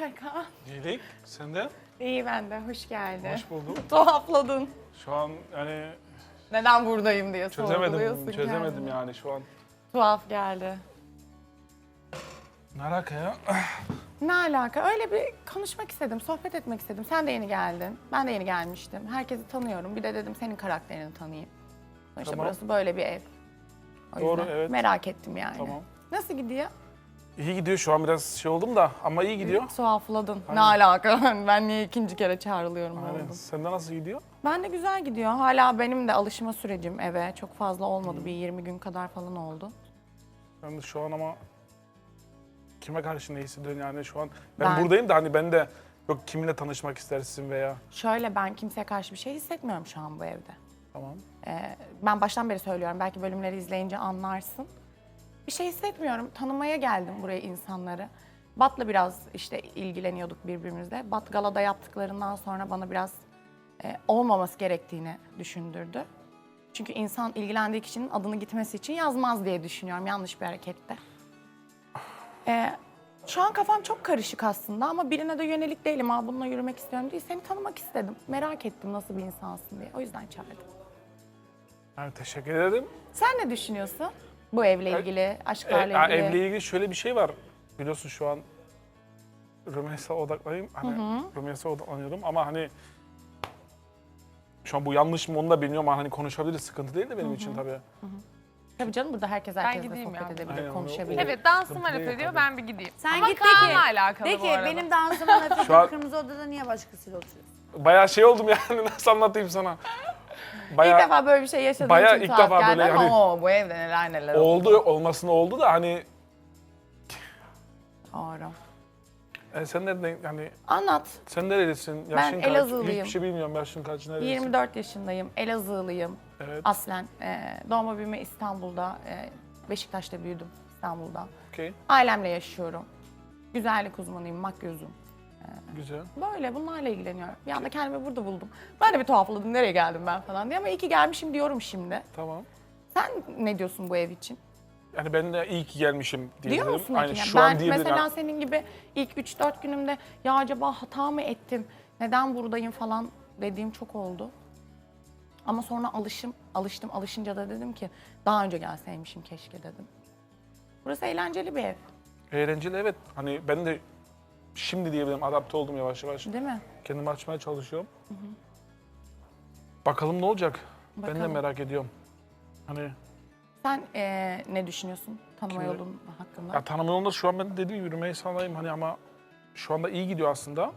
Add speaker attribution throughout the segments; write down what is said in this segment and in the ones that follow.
Speaker 1: haber Kaan?
Speaker 2: İyilik, senden?
Speaker 1: İyi ben de, hoş geldin.
Speaker 2: Hoş buldum.
Speaker 1: Tuhafladın.
Speaker 2: Şu an yani
Speaker 1: Neden buradayım diye sorguluyorsun
Speaker 2: çözemedim
Speaker 1: kendini.
Speaker 2: yani şu an.
Speaker 1: Tuhaf geldi.
Speaker 2: Ne alaka ya?
Speaker 1: Ne alaka? Öyle bir konuşmak istedim, sohbet etmek istedim. Sen de yeni geldin, ben de yeni gelmiştim. Herkesi tanıyorum. Bir de dedim senin karakterini tanıyayım. Sonuçta
Speaker 2: Tamam.
Speaker 1: burası böyle bir ev. O
Speaker 2: Doğru,
Speaker 1: yüzden
Speaker 2: evet.
Speaker 1: merak ettim yani.
Speaker 2: Tamam.
Speaker 1: Nasıl gidiyor?
Speaker 2: İyi gidiyor şu an biraz şey oldum da ama iyi gidiyor.
Speaker 1: Tuhafladın. Ne
Speaker 2: Aynen.
Speaker 1: alaka? Ben niye ikinci kere çağrılıyorum
Speaker 2: Aynen.
Speaker 1: oldum.
Speaker 2: Sende nasıl gidiyor?
Speaker 1: Ben de güzel gidiyor. Hala benim de alışma sürecim eve. Çok fazla olmadı. Bir 20 gün kadar falan oldu.
Speaker 2: Ben de şu an ama kime karşı ne hissediyorsun yani şu an? Ben
Speaker 1: Ben-
Speaker 2: buradayım da hani ben de yok kiminle tanışmak istersin veya
Speaker 1: Şöyle ben kimseye karşı bir şey hissetmiyorum şu an bu evde.
Speaker 2: tamam.
Speaker 1: Ben baştan beri söylüyorum. Belki bölümleri izleyince anlarsın. Bir şey hissetmiyorum. Tanımaya geldim buraya insanları. Bat'la biraz işte ilgileniyorduk birbirimizle. Bat galada yaptıklarından sonra bana biraz olmaması gerektiğini düşündürdü. Çünkü insan ilgilendiği kişinin adını gitmesi için yazmaz diye düşünüyorum. Yanlış bir harekette. Şu an kafam çok karışık aslında ama birine de yönelik değilim. Ha bununla yürümek istiyorum değil. Seni tanımak istedim. Merak ettim nasıl bir insansın diye. O yüzden çağırdım.
Speaker 2: Yani teşekkür ederim.
Speaker 1: Sen ne düşünüyorsun? Bu evle ilgili, aşklarla ilgili.
Speaker 2: Evle ilgili şöyle bir şey var. Biliyorsun şu an Rümeysa'ya odaklanayım. Hani Rümeysa'ya odaklanıyorum ama hani şu an bu yanlış mı onu da bilmiyorum ama hani konuşabiliriz. Sıkıntı değil de benim için tabii.
Speaker 1: Tabii canım burada herkesle
Speaker 3: gideyim
Speaker 1: sohbet
Speaker 3: ya.
Speaker 1: edebilir,
Speaker 2: Aynen,
Speaker 1: konuşabilir.
Speaker 3: Evet dansım
Speaker 2: Sıkıntı
Speaker 3: harap
Speaker 2: değil
Speaker 3: ediyor
Speaker 2: tabii.
Speaker 3: ben bir gideyim.
Speaker 4: Sen
Speaker 3: Ama
Speaker 4: git de
Speaker 3: Kaan'la
Speaker 4: ki,
Speaker 3: alakalı
Speaker 4: de
Speaker 3: bu
Speaker 4: ki
Speaker 3: arada.
Speaker 4: benim dansıma laf
Speaker 2: Şu an-
Speaker 4: edip kırmızı odada niye başkasıyla oturuyorsun?
Speaker 2: Bayağı şey oldum yani nasıl anlatayım sana.
Speaker 1: İlk
Speaker 2: Bayağı
Speaker 1: defa böyle bir şey yaşadığım
Speaker 2: bayağı
Speaker 1: için
Speaker 2: ilk
Speaker 1: tuhaf
Speaker 2: defa
Speaker 1: geldi
Speaker 2: böyle
Speaker 1: ama
Speaker 2: hani-
Speaker 1: o bu evde neler neler
Speaker 2: oldu olmasına oldu da hani
Speaker 1: Doğru.
Speaker 2: sen nereden yani
Speaker 1: Anlat.
Speaker 2: sen nerelisin? Yaşın kaç?
Speaker 1: Elazığlıyım.
Speaker 2: Hiçbir şey bilmiyorum yaşın kaç nerelisin?
Speaker 1: 24 yaşındayım, Elazığlıyım.
Speaker 2: Evet.
Speaker 1: Aslen doğma büyüme İstanbul'da, Beşiktaş'ta büyüdüm İstanbul'da.
Speaker 2: Okey.
Speaker 1: Ailemle yaşıyorum. Güzellik uzmanıyım, makyözüm.
Speaker 2: Güzel.
Speaker 1: Böyle bunlarla ilgileniyorum. Bir anda kendimi burada buldum. Ben de bir tuhafladım, nereye geldim ben falan diye ama iyi ki gelmişim diyorum şimdi.
Speaker 2: Tamam.
Speaker 1: Sen ne diyorsun bu ev için?
Speaker 2: Yani ben de iyi ki gelmişim diyebilirim.
Speaker 1: Diyor musun
Speaker 2: Aynen
Speaker 1: peki?
Speaker 2: şu
Speaker 1: Ben
Speaker 2: an diyebilirim.
Speaker 1: mesela
Speaker 2: Yani
Speaker 1: senin gibi ilk 3-4 günümde ya acaba hata mı ettim, neden buradayım falan dediğim çok oldu. Ama sonra alışınca da dedim ki daha önce gelseymişim keşke dedim. Burası eğlenceli bir ev,
Speaker 2: eğlenceli evet. Hani ben de şimdi diyebilirim adapte oldum yavaş yavaş.
Speaker 1: değil mi?
Speaker 2: Kendimi açmaya çalışıyorum. Bakalım ne olacak? Ben de
Speaker 1: Bakalım.
Speaker 2: merak ediyorum. Hani
Speaker 1: Sen ne düşünüyorsun tanıma
Speaker 2: Kimi?
Speaker 1: yolun hakkında?
Speaker 2: ya tanıma yolunda şu an ben dediğim gibi yürümeyi sağlayayım hani ama şu anda iyi gidiyor aslında.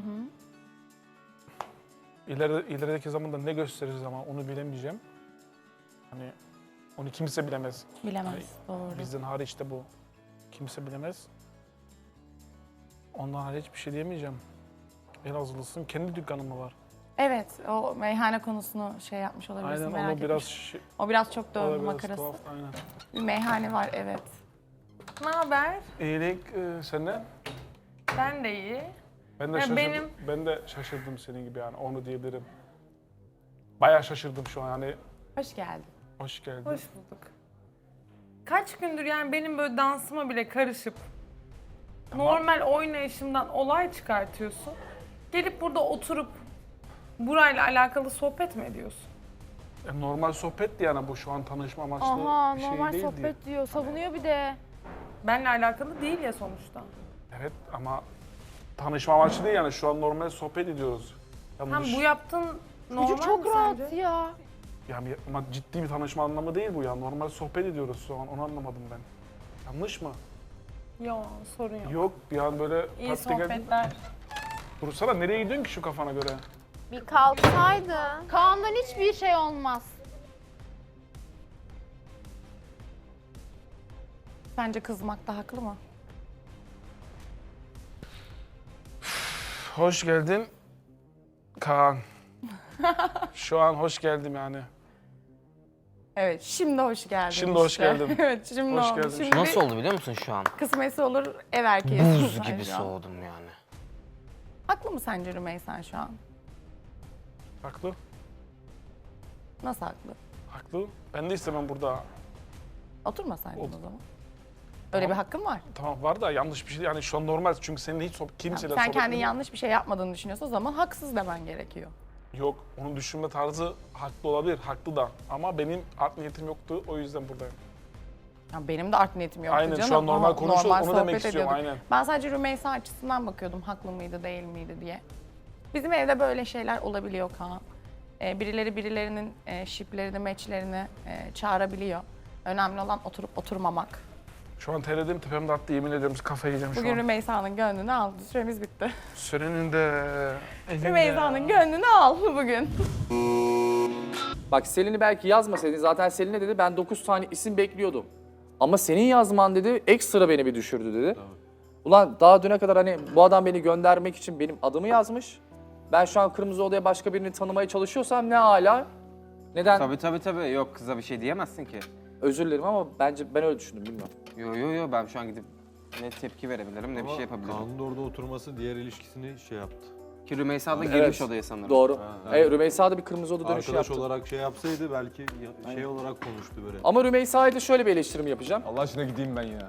Speaker 2: İlerideki zamanda ne gösteririz ama onu bilemeyeceğim. Hani onu kimse bilemez.
Speaker 1: Bilemez, doğru.
Speaker 2: Bizden hariç de bu. Kimse bilemez. Ondan hariç bir şey diyemeyeceğim. Elazığlısın. Kendi dükkanın mı var?
Speaker 1: Evet, o meyhane konusunu şey yapmış olabilirsin,
Speaker 2: Aynen
Speaker 1: merak
Speaker 2: onu biraz
Speaker 1: etmiş.
Speaker 2: şey,
Speaker 1: O biraz çok
Speaker 2: o
Speaker 1: döndü
Speaker 2: da biraz
Speaker 1: makarası.
Speaker 2: tuhaf, aynen.
Speaker 1: Bir meyhane var, evet.
Speaker 3: Ne haber?
Speaker 2: İyilik senden.
Speaker 3: Ben de iyi.
Speaker 2: Ben de
Speaker 3: Ya
Speaker 2: şaşırdım.
Speaker 3: benim-
Speaker 2: Ben de şaşırdım senin gibi yani onu diyebilirim. Bayağı şaşırdım şu an yani.
Speaker 1: Hoş geldin.
Speaker 2: Hoş geldin.
Speaker 3: Hoş bulduk. Kaç gündür yani benim böyle dansıma bile karışıp normal oynayışımdan olay çıkartıyorsun. Gelip burada oturup burayla alakalı sohbet mi ediyorsun?
Speaker 2: Normal sohbetti yani bu şu an tanışma amaçlı
Speaker 5: Aha
Speaker 2: bir şey
Speaker 5: normal
Speaker 2: değildi.
Speaker 5: sohbet diyor. Savunuyor bir de.
Speaker 3: Benle alakalı değil ya sonuçta.
Speaker 2: Evet ama tanışma amaçlı değil yani şu an normal sohbet ediyoruz.
Speaker 3: Hem
Speaker 2: Yanlış.
Speaker 3: bu yaptığın normal
Speaker 5: Çocuk çok
Speaker 3: mi
Speaker 5: rahat
Speaker 3: sence?
Speaker 5: ya.
Speaker 2: Yani ama ciddi bir tanışma anlamı değil bu ya. Normal sohbet ediyoruz şu an onu anlamadım ben. Yanlış mı?
Speaker 3: Yok sorun yok.
Speaker 2: Yok bir an böyle
Speaker 3: İyi
Speaker 2: taktik geldi.
Speaker 3: sohbetler.
Speaker 2: Dursana nereye gidiyorsun ki şu kafana göre?
Speaker 5: Bir kalksaydın. Kaan'dan hiçbir şey olmaz.
Speaker 1: Sence kızmakta haklı mı?
Speaker 2: Hoş geldin Kaan. Şu an hoş geldim yani.
Speaker 1: Evet, şimdi hoş geldin.
Speaker 2: Şimdi hoş geldim.
Speaker 1: Evet, şimdi
Speaker 2: Hoş
Speaker 1: oldu.
Speaker 2: geldin.
Speaker 1: Şimdi
Speaker 6: Nasıl oldu biliyor musun şu an?
Speaker 1: kısmetse olur ev erkeğisin
Speaker 6: Buz
Speaker 1: sen
Speaker 6: gibi
Speaker 1: şu an.
Speaker 6: soğudum yani.
Speaker 1: Haklı mı sence Rümeysen şu an?
Speaker 2: Haklı.
Speaker 1: Nasıl haklı?
Speaker 2: Haklı. Ben de istemem burada.
Speaker 1: Oturmasaydın
Speaker 2: Oldu.
Speaker 1: o zaman. Öyle bir hakkın var.
Speaker 2: Tamam var da yanlış bir şey yani şu an normal çünkü senin hiç kimseyle
Speaker 1: Sen
Speaker 2: sohbet
Speaker 1: kendin yanlış bir şey yapmadığını düşünüyorsan o zaman haksız demen gerekiyor.
Speaker 2: Yok, onun düşünme tarzı haklı olabilir, haklı da. Ama benim art niyetim yoktu, o yüzden buradayım.
Speaker 1: Ya benim de art niyetim yoktu
Speaker 2: Aynen,
Speaker 1: canım.
Speaker 2: şu an normal
Speaker 1: Aha,
Speaker 2: konuşuyoruz,
Speaker 1: normal
Speaker 2: onu
Speaker 1: sohbet
Speaker 2: demek istiyorum,
Speaker 1: ediyorduk.
Speaker 2: aynen.
Speaker 1: Ben sadece Rümeysa açısından bakıyordum haklı mıydı değil miydi diye. Bizim evde böyle şeyler olabiliyor Kaan. Birileri birilerinin şiplerini, meçlerini çağırabiliyor. Önemli olan oturup oturmamak.
Speaker 2: Şu an terledim, tepemde attı, yemin ediyorum kafayı yiyeceğim şu
Speaker 1: Bugün
Speaker 2: an.
Speaker 1: Rümeysa'nın gönlünü aldı. Süremiz bitti.
Speaker 2: Sürenin de...
Speaker 1: Rümeysa'nın gönlünü al bugün.
Speaker 6: Bak Selin'i belki yazmasaydın zaten Selin'e dedi ben 9 tane isim bekliyordum. Ama senin yazman dedi ekstra beni bir düşürdü dedi. Ulan daha düne kadar hani bu adam beni göndermek için benim adımı yazmış. Ben şu an Kırmızı Oda'ya başka birini tanımaya çalışıyorsam ne hala? Neden?
Speaker 7: Tabii. Yok kıza bir şey diyemezsin ki.
Speaker 6: Özür dilerim ama bence ben öyle düşündüm bilmiyorum.
Speaker 7: Yo ben şu an gidip ne tepki verebilirim ne bir şey yapabilirim.
Speaker 8: Kaan'ın da orada oturması diğer ilişkisini şey yaptı.
Speaker 7: Ki Rümeysa da
Speaker 6: Evet.
Speaker 7: girmiş odaya sanırım.
Speaker 6: Doğru.
Speaker 8: evet.
Speaker 6: Rümeysa da bir Kırmızı Oda dönüşü
Speaker 8: Arkadaş
Speaker 6: yaptı.
Speaker 8: olarak şey yapsaydı belki şey olarak konuştu böyle.
Speaker 6: Ama Rümeysa'ya da şöyle bir eleştirim yapacağım.
Speaker 9: Allah aşkına gideyim ben ya.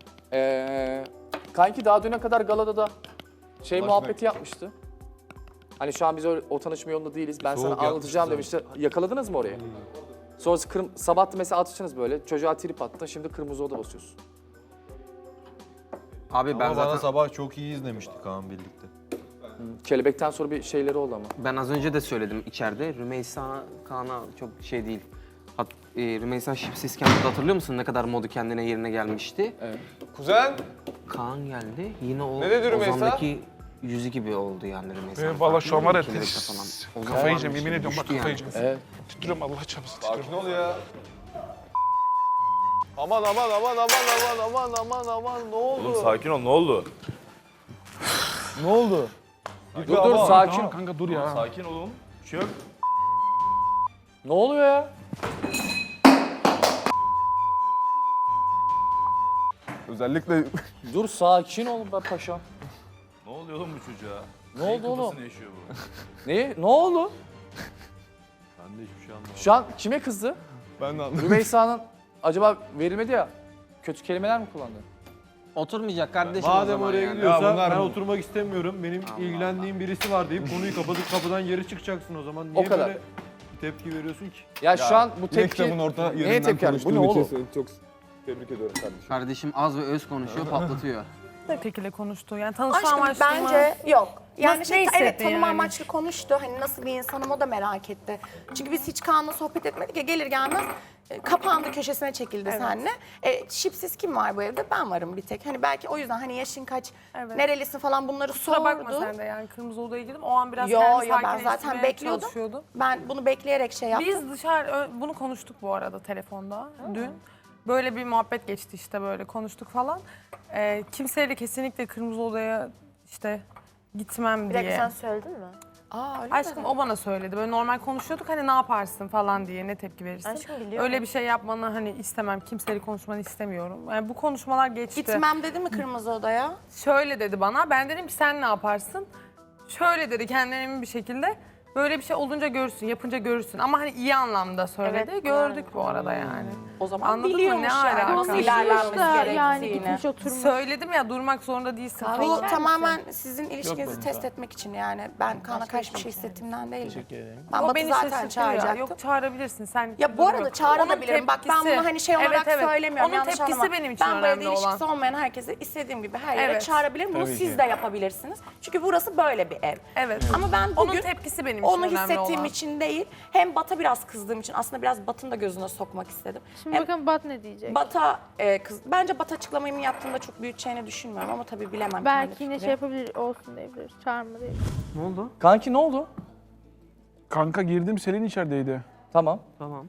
Speaker 6: Kanki daha düne kadar galada da şey
Speaker 9: Allah
Speaker 6: muhabbeti
Speaker 9: aşkına.
Speaker 6: yapmıştı. Hani şu an biz o tanışma yolunda değiliz. Ben
Speaker 8: Soğuk
Speaker 6: sana anlatacağım
Speaker 8: yapmıştı
Speaker 6: demişti. Yakaladınız mı orayı? Sonrası sabah da mesela atıştınız böyle. Çocuğa trip attın. Şimdi Kırmızı Oda basıyorsun.
Speaker 7: Abi ben
Speaker 8: Ama bana
Speaker 7: zaten
Speaker 8: sabah çok iyi izlemişti Kaan birlikte.
Speaker 6: Kelebekten sonra bir şeyleri oldu ama.
Speaker 7: ben az önce de söyledim içeride. Rümeysa Kaan'a çok şey değil. Rümeysa şipsizken de hatırlıyor musun ne kadar modu kendine yerine gelmişti?
Speaker 6: Evet.
Speaker 9: Kuzen,
Speaker 7: Kaan geldi yine o
Speaker 9: Ne dedi Rümeysa?
Speaker 7: Ozan'daki yüzü gibi oldu yani Rümeysa.
Speaker 2: Valla şu an var ya,
Speaker 7: Ozan
Speaker 2: kafayı yiyeceğim,
Speaker 7: varmış
Speaker 2: yemin
Speaker 7: gibi
Speaker 2: ediyorum bak
Speaker 7: düştü
Speaker 2: kafayı
Speaker 7: yani.
Speaker 2: yiyeceğim.
Speaker 6: Evet.
Speaker 2: Titriyorum Allah çarpsın,
Speaker 9: sakin
Speaker 2: titriyorum.
Speaker 9: ol ya. Aman ne oldu?
Speaker 10: Oğlum sakin ol, ne oldu?
Speaker 9: Ne oldu?
Speaker 6: Dur sakin ol.
Speaker 2: Tamam kanka dur ya.
Speaker 10: Sakin olun. Bir şey yok.
Speaker 6: Ne oluyor ya?
Speaker 9: Özellikle
Speaker 6: Dur sakin ol be paşam.
Speaker 10: Ne oluyor oğlum bu çocuğa?
Speaker 6: Ne oldu oğlum?
Speaker 10: Kafasını yaşıyor bu.
Speaker 6: Ne? Ne oldu?
Speaker 8: Ben de hiçbir şey anlamadım.
Speaker 6: Şu an kime kızdı?
Speaker 9: ben de anladım.
Speaker 6: Rümeysa'nın acaba verilmedi ya. Kötü kelimeler mi kullandı?
Speaker 7: Oturmayacak kardeşim o
Speaker 8: Madem
Speaker 7: zaman
Speaker 8: oraya
Speaker 7: yani.
Speaker 8: gidiyorsa
Speaker 9: Ya bunlar
Speaker 8: ben
Speaker 9: bu-
Speaker 8: oturmak istemiyorum. Benim ilgilendiğim birisi var deyip konuyu kapatıp kapıdan geri çıkacaksın o zaman. Niye
Speaker 6: O kadar.
Speaker 8: böyle tepki veriyorsun ki?
Speaker 6: Ya şu an bu
Speaker 9: Yine
Speaker 6: tepki...
Speaker 9: kitabın orta
Speaker 6: Neye
Speaker 9: yerinden
Speaker 6: tepki yani? Bu ne
Speaker 9: konuştuğun
Speaker 6: oğlum?
Speaker 9: için seni çok tebrik ediyorum kardeşim.
Speaker 7: Kardeşim az ve öz konuşuyor patlatıyor.
Speaker 3: Ne şekilde konuştu? Yani tanışma
Speaker 1: Aşkım
Speaker 3: amaçlı mı?
Speaker 1: bence yok. Yani
Speaker 3: Nasıl, ne
Speaker 1: evet
Speaker 3: hissettin
Speaker 1: tanıma
Speaker 3: yani?
Speaker 1: amaçlı konuştu. Hani nasıl bir insanım o da merak etti. Çünkü biz hiç Kaan'la sohbet etmedik ya gelir gelmez kapandı köşesine çekildi seninle. Şipsiz kim var bu evde? Ben varım bir tek. Hani belki o yüzden hani yaşın kaç,
Speaker 3: Evet.
Speaker 1: nerelisin falan bunları
Speaker 3: Kusura bakma
Speaker 1: sordu.
Speaker 3: sen de yani Kırmızı Oda'ya girdim. O an biraz
Speaker 1: Yo
Speaker 3: kendimi
Speaker 1: yo ben zaten
Speaker 3: sakinleştirmeye
Speaker 1: bekliyordum.
Speaker 3: çalışıyordum.
Speaker 1: Ben bunu bekleyerek şey yaptım.
Speaker 3: Biz bunu konuştuk bu arada telefonda dün. Böyle bir muhabbet geçti işte böyle konuştuk falan. Kimseyle kesinlikle Kırmızı Oda'ya işte gitmem
Speaker 5: Bir dakika
Speaker 3: diye.
Speaker 5: sen söyledin mi?
Speaker 1: Aa öyle
Speaker 3: Aşkım
Speaker 1: mi?
Speaker 3: o bana söyledi. Böyle normal konuşuyorduk hani ne yaparsın falan diye ne tepki verirsin.
Speaker 5: Aşkım biliyorum.
Speaker 3: Öyle bir şey yapmanı hani istemem. Kimseyle konuşmanı istemiyorum. Yani bu konuşmalar geçti.
Speaker 1: Gitmem dedi mi Kırmızı Oda'ya?
Speaker 3: Şöyle dedi bana. Ben dedim ki sen ne yaparsın? Şöyle dedi kendine emin bir şekilde. Böyle bir şey olunca görürsün, yapınca görürsün. Ama hani iyi anlamda söyledi.
Speaker 5: Evet,
Speaker 3: Gördük bu arada yani.
Speaker 1: O zaman
Speaker 3: Anladın mı?
Speaker 1: biliyormuş
Speaker 3: Ne
Speaker 1: yani
Speaker 3: alaka?
Speaker 1: nasıl
Speaker 3: Konuşmuş
Speaker 1: ilerlenmesi
Speaker 5: da
Speaker 1: gerektiğini.
Speaker 5: yani gitmiş oturmuş.
Speaker 3: Söyledim ya durmak zorunda değilsin
Speaker 1: Bu
Speaker 3: falan.
Speaker 1: tamamen sizin ilişkinizi test etmek için yani. Ben Kaan'a karşı bir şey hissettiğimden değilim. Ben
Speaker 3: O
Speaker 1: Batı
Speaker 3: beni
Speaker 1: zaten
Speaker 3: şaşırtıyor.
Speaker 1: çağıracaktım.
Speaker 3: Yok çağırabilirsin sen.
Speaker 1: Ya bu
Speaker 3: dur
Speaker 1: arada
Speaker 3: bak.
Speaker 1: çağırabilirim.
Speaker 3: Onun
Speaker 1: Bak ben
Speaker 3: tepkisi-
Speaker 1: bunu hani şey olarak
Speaker 3: Evet.
Speaker 1: söylemiyorum.
Speaker 3: Onun
Speaker 1: yanlış
Speaker 3: tepkisi
Speaker 1: anlama.
Speaker 3: benim için
Speaker 1: Ben bu evde
Speaker 3: önemli olan.
Speaker 1: ilişkisi olmayan herkesi istediğim gibi her yere
Speaker 3: Evet.
Speaker 1: çağırabilirim. Bunu siz de yapabilirsiniz. Çünkü burası böyle bir ev.
Speaker 3: Evet.
Speaker 1: Ama ben
Speaker 3: Onun
Speaker 1: bugün
Speaker 3: tepkisi benim için
Speaker 1: onu
Speaker 3: önemli
Speaker 1: hissettiğim
Speaker 3: olan.
Speaker 1: için değil. Hem Bat'a biraz kızdığım için aslında biraz Bat'ın da gözüne sokmak istedim.
Speaker 5: Şimdi
Speaker 1: Hem
Speaker 5: bakın Bat ne diyecek?
Speaker 1: Bat'a bence Bat açıklamayı yaptığımda çok büyüteceğini düşünmüyorum ama tabii bilemem.
Speaker 5: Belki
Speaker 1: kendi
Speaker 5: yine
Speaker 1: fikri.
Speaker 5: şey yapabilir, olsun diyebilir. Çağırma değil.
Speaker 7: Ne oldu?
Speaker 6: Kanki ne oldu?
Speaker 2: Kanka girdim, Selin içerideydi.
Speaker 6: Tamam.
Speaker 7: Tamam.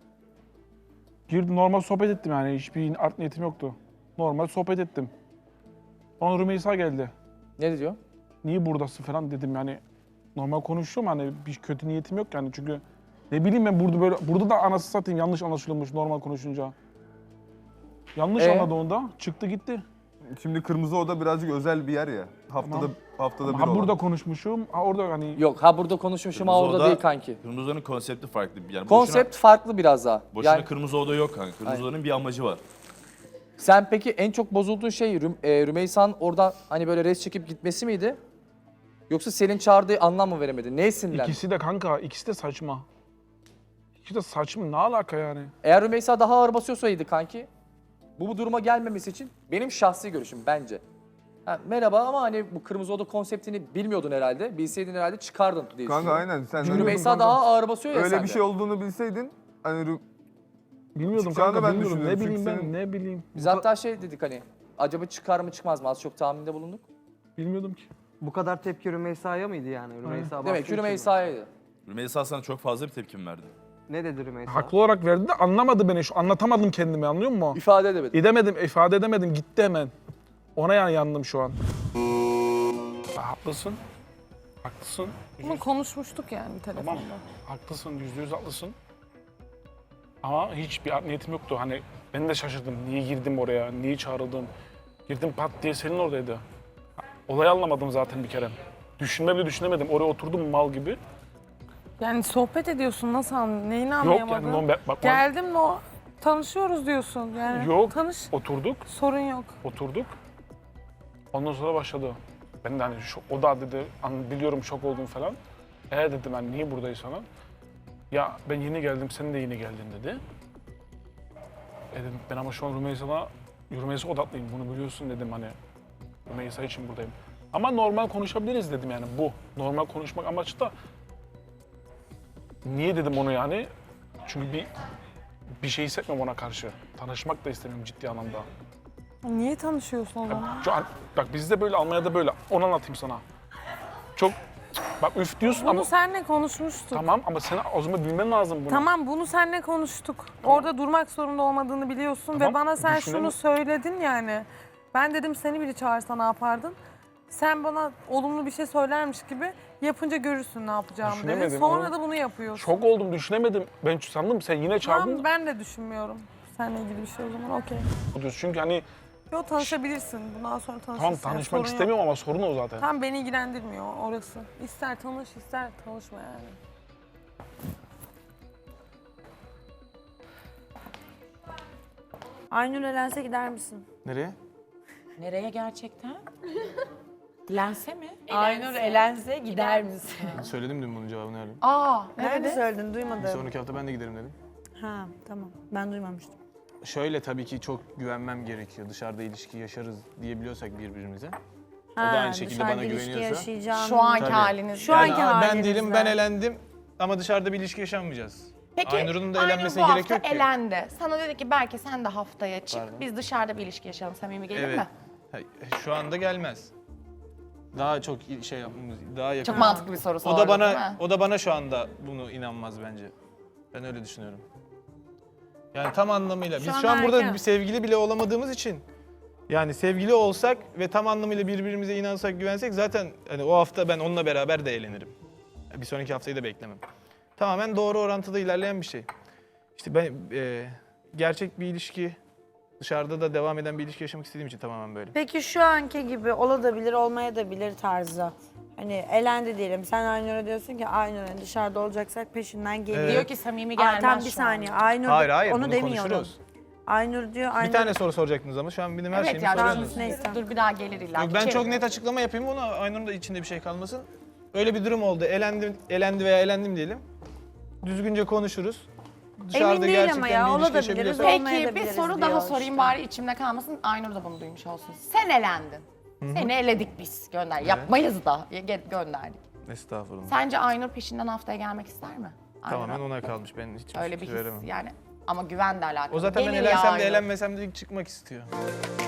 Speaker 2: Girdim, normal sohbet ettim yani, hiçbir art niyetim yoktu. Normal sohbet ettim. Sonra Rümeysa geldi.
Speaker 6: Ne diyor?
Speaker 2: Niye buradasın falan dedim yani. Normal konuşuyorum hani, bir kötü niyetim yok yani çünkü ne bileyim ben burada da anası satayım yanlış anlaşılmış normal konuşunca. Yanlış anladı onda, çıktı gitti.
Speaker 9: Şimdi Kırmızı Oda birazcık özel bir yer ya. Haftada bir
Speaker 2: Ha
Speaker 9: olan.
Speaker 2: burada konuşmuşum, ha orada hani
Speaker 6: Yok ha burada konuşmuşum ha
Speaker 10: Kırmızı
Speaker 6: orada
Speaker 10: Oda-
Speaker 6: değil kanki.
Speaker 10: Kırmızı Oda'nın konsepti farklı. Yani
Speaker 6: Konsept farklı biraz daha.
Speaker 10: boşuna
Speaker 6: Yani
Speaker 10: Kırmızı Oda yok kanka. Kırmızı
Speaker 6: Aynen.
Speaker 10: Oda'nın bir amacı var.
Speaker 6: Sen peki en çok bozulduğun şey Rümeysa'nın oradan hani böyle res çekip gitmesi miydi? Yoksa senin çağırdığı anlam mı veremedi? Neye sinirlendin?
Speaker 2: İkisi de kanka, ikisi de saçma. İkisi de saçma, ne alaka yani?
Speaker 6: Eğer Rümeysa daha ağır basıyorsaydı kanki, bu duruma gelmemesi için benim şahsi görüşüm bence. Ha, merhaba ama hani bu kırmızı oda konseptini bilmiyordun herhalde. Bilseydin herhalde çıkardın diye
Speaker 9: Kanka
Speaker 6: düşünüyorum.
Speaker 9: aynen sen
Speaker 6: Çünkü Rümeysa daha ağır basıyor ya
Speaker 9: öyle
Speaker 6: sende.
Speaker 9: bir şey olduğunu bilseydin hani
Speaker 2: Bilmiyordum
Speaker 9: Çıkacağını
Speaker 2: kanka,
Speaker 9: ben
Speaker 2: bilmiyordum. Ne
Speaker 9: düşünüyorum.
Speaker 2: bileyim
Speaker 9: Çünkü
Speaker 2: ben,
Speaker 9: senin-
Speaker 2: ne bileyim.
Speaker 6: Biz hatta şey dedik hani, acaba çıkar mı çıkmaz mı? Az çok tahminde bulunduk.
Speaker 2: Bilmiyordum ki.
Speaker 7: Bu kadar tepki Rümeysa'ya mıydı yani? Rümeysa
Speaker 6: Demek ki Rümeysa'ydı.
Speaker 10: Rümeysa sana çok fazla bir tepkim verdi.
Speaker 7: Ne dedi Rümeysa?
Speaker 2: Haklı olarak verdi de anlamadı beni. Anlatamadım kendimi, anlıyor musun?
Speaker 6: İfade edemedim.
Speaker 2: İfade edemedim. Gitti hemen. Ona yani yandım şu an. Haklısın. Haklısın.
Speaker 3: Bunu konuşmuştuk yani telefonda.
Speaker 2: Tamam. Haklısın, %100 haklısın. Ama hiçbir art niyetim yoktu. Hani ben de şaşırdım. Niye girdim oraya, niye çağrıldım? Girdim pat diye senin oradaydı. Olayı anlamadım zaten bir kere. Düşünme bile düşünemedim. Oraya oturdum mal gibi.
Speaker 3: Yani sohbet ediyorsun nasıl neyini
Speaker 2: Yok
Speaker 3: anlayamadın?
Speaker 2: yani bak
Speaker 3: Geldim tanışıyoruz diyorsun yani.
Speaker 2: Yok.
Speaker 3: Tanış,
Speaker 2: oturduk.
Speaker 3: sorun yok.
Speaker 2: Oturduk. Ondan sonra başladı. Ben de hani o da dedi, biliyorum şok oldum falan. Dedim ben niye buradayız falan. Ya ben yeni geldim, sen de yeni geldin dedi. Dedim ben ama şu an Rümeysa odaklıyım, bunu biliyorsun dedim hani. Rümeysa için buradayım. Ama normal konuşabiliriz dedim yani bu. Normal konuşmak amaçlı da. Niye dedim onu yani? Çünkü bir şey hissetmiyorum ona karşı. Tanışmak da istemiyorum ciddi anlamda.
Speaker 3: Niye tanışıyorsun o zaman?
Speaker 2: Şu an, bak bizde böyle, Almanya'da böyle. Onu anlatayım sana. Çok, bak üf diyorsun
Speaker 3: Bunu
Speaker 2: ama...
Speaker 3: seninle konuşmuştuk.
Speaker 2: Tamam ama sen o zaman bilmen lazım bunu.
Speaker 3: Tamam bunu seninle konuştuk. Orada durmak zorunda olmadığını biliyorsun
Speaker 2: Tamam,
Speaker 3: ve bana sen
Speaker 2: düşünelim.
Speaker 3: şunu söyledin yani. Ben dedim seni biri çağırsa ne yapardın? Sen bana olumlu bir şey söylermiş gibi yapınca görürsün ne yapacağımı dedin.
Speaker 2: Düşünemedim,
Speaker 3: Sonra
Speaker 2: onu-
Speaker 3: da bunu yapıyorsun.
Speaker 2: Şok oldum, düşünemedim. Ben sandım sen yine çağırdın.
Speaker 3: Tamam ben de düşünmüyorum. Seninle ilgili bir şey o zaman okey.
Speaker 2: Çünkü hani
Speaker 3: Yo tanışabilirsin. Bundan sonra tanışırsın.
Speaker 2: tamam tanışmak istemiyorum ama sorun o zaten.
Speaker 3: Tam beni ilgilendirmiyor orası. İster tanış ister tanışma yani.
Speaker 4: Aynur elense gider misin?
Speaker 8: Nereye?
Speaker 11: Nereye gerçekten? Lense mi?
Speaker 4: Aynur elense gider misin?
Speaker 8: Söyledim dün bunun cevabını Halim.
Speaker 1: Aa,
Speaker 4: Nerede söyledin? Duymadım.
Speaker 8: Sonraki hafta ben de giderim dedim.
Speaker 4: Ha tamam. Ben duymamıştım.
Speaker 8: Şöyle tabii ki çok güvenmem gerekiyor. Dışarıda ilişki yaşarız diyebiliyorsak birbirimize.
Speaker 4: Ha,
Speaker 8: da aynı şekilde
Speaker 4: dışarıda
Speaker 8: bana
Speaker 4: ilişki
Speaker 8: güveniyorsa.
Speaker 4: yaşayacağım.
Speaker 1: şu anki
Speaker 8: Tabii.
Speaker 1: haliniz.
Speaker 4: Şu
Speaker 8: Yani
Speaker 4: anki
Speaker 8: ben
Speaker 4: halinizle.
Speaker 8: değilim, ben elendim ama dışarıda bir ilişki yaşamayacağız.
Speaker 1: Peki
Speaker 8: Aynur'un da
Speaker 1: Aynur
Speaker 8: elenmesine
Speaker 1: bu
Speaker 8: gerek
Speaker 1: hafta
Speaker 8: yok ki.
Speaker 1: elendi. Sana dedi ki belki sen de haftaya çık.
Speaker 8: Pardon.
Speaker 1: Biz dışarıda bir ilişki yaşayalım. Samimi gelir
Speaker 8: Evet.
Speaker 1: mi?
Speaker 8: Şu anda gelmez. Daha çok şey yapmamız, daha yakın.
Speaker 1: Çok mantıklı bir soru
Speaker 8: O
Speaker 1: sordun
Speaker 8: da
Speaker 1: değil
Speaker 8: bana
Speaker 1: mi?
Speaker 8: o da bana şu anda bunu inanmaz bence. Ben öyle düşünüyorum. Yani tam anlamıyla biz
Speaker 4: an
Speaker 8: şu an burada
Speaker 4: erken.
Speaker 8: bir sevgili bile olamadığımız için yani sevgili olsak ve tam anlamıyla birbirimize inansak, güvensek zaten hani o hafta ben onunla beraber de eğlenirim. Bir sonraki haftayı da beklemem. Tamamen doğru orantıda ilerleyen bir şey. İşte ben gerçek bir ilişki, dışarıda da devam eden bir ilişki yaşamak istediğim için tamamen böyle.
Speaker 4: Peki şu anki gibi olabilir, olmayabilir tarzı. Hani elendi diyelim. Sen Aynur'a diyorsun ki Aynur'un dışarıda olacaksak peşinden geliyor.
Speaker 1: Diyor ki samimi
Speaker 4: Aa,
Speaker 1: gelmez
Speaker 4: tam bir
Speaker 1: şu
Speaker 4: saniye.
Speaker 1: an.
Speaker 4: Aynur
Speaker 8: Hayır,
Speaker 4: onu
Speaker 8: bunu
Speaker 4: demiyorum.
Speaker 8: konuşuruz.
Speaker 4: Aynur diyor. Aynur
Speaker 8: Bir tane soru soracaktınız ama şu an benim her
Speaker 1: Evet
Speaker 8: şeyimi
Speaker 1: ya
Speaker 8: soruyorsunuz.
Speaker 4: Neyse.
Speaker 1: dur bir daha gelir illa.
Speaker 8: Yok, ben çok net açıklama yapayım ona Aynur'un da içinde bir şey kalmasın. Öyle bir durum oldu. Elendi veya elendim diyelim. Düzgünce konuşuruz. Dışarıda
Speaker 4: değil
Speaker 8: gerçekten
Speaker 4: ama ya,
Speaker 8: bir ilişki
Speaker 4: olabiliriz.
Speaker 8: yaşayabiliyorsak-
Speaker 1: Peki bir
Speaker 4: olmayabiliriz
Speaker 1: soru daha
Speaker 4: diyor
Speaker 1: sorayım
Speaker 4: işte.
Speaker 1: bari içimde kalmasın. Aynur da bunu duymuş olsun. Sen elendin. Seni eledik biz. Gönder. Yapmayız da. Gönderdik.
Speaker 8: Estağfurullah.
Speaker 1: Sence Aynur peşinden haftaya gelmek ister mi?
Speaker 8: Tamamen
Speaker 1: Aynur'a.
Speaker 8: ona kalmış. Ben hiç
Speaker 1: Öyle bir
Speaker 8: fikir
Speaker 1: his
Speaker 8: veremem.
Speaker 1: yani. Ama güven de alakalı.
Speaker 8: O zaten ben
Speaker 1: Gelir ya
Speaker 8: elensem de
Speaker 1: Aynur.
Speaker 8: elenmesem de çıkmak istiyor.